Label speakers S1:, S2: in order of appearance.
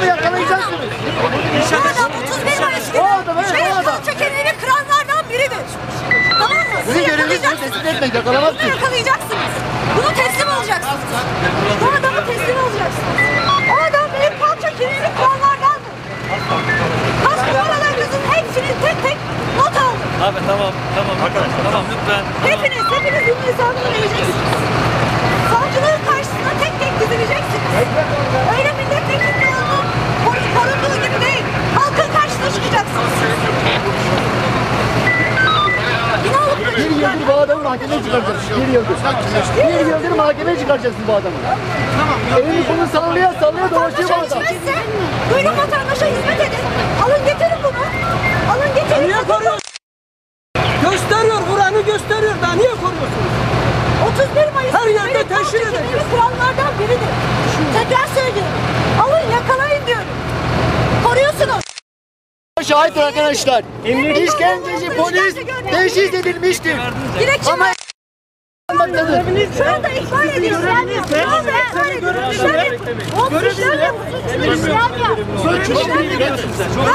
S1: yakalayacaksınız.
S2: Bu adam 31 Mayıs günü kol çekenleri kıranlardan biridir. Tamam mı?
S1: Sizin göreviniz bunu tespit etmek, yakalamak
S2: Bunu yakalayacaksınız. Bunu teslim alacaksınız. Bu adamı teslim alacaksınız. O adam benim kol çekenleri kıranlardandır. Kaç numaralarınızın hepsini tek tek not aldım.
S3: Abi tamam lütfen.
S2: Hepiniz bunun hesabını vereceksiniz. Savcıların karşısına tek tek dizileceksiniz. Öyle milletvekili korunduğu gibi değil. Halkın karşısına çıkacaksınız. Yine alıp
S1: Bir yıldır bu adamı mahkemeye çıkaracaksın. Bir yıldır mahkemeye çıkaracaksın bu adamı. Elini kolunu sallaya dolaşıyor bu adam.
S2: hizmetse, buyurun vatandaşa hizmet edin. Alın getirin bunu. Alın getirin.
S4: Niye koruyorsun? Gösteriyor, Kur'an'ı gösteriyor. Daha niye koruyorsunuz?
S2: 31 Mayıs
S4: Her yerde teşhir edin.
S2: kuranlardan biridir. Tekrar söylüyorum. Alın yakalayın diyorum. Koruyorsunuz.
S1: Şahit arkadaşlar. İşkenceci polis teşhis edilmiştir. Ama
S2: Şu anda ihbar ediyoruz. Şu anda ihbar ediyoruz.
S4: Görüşürüz.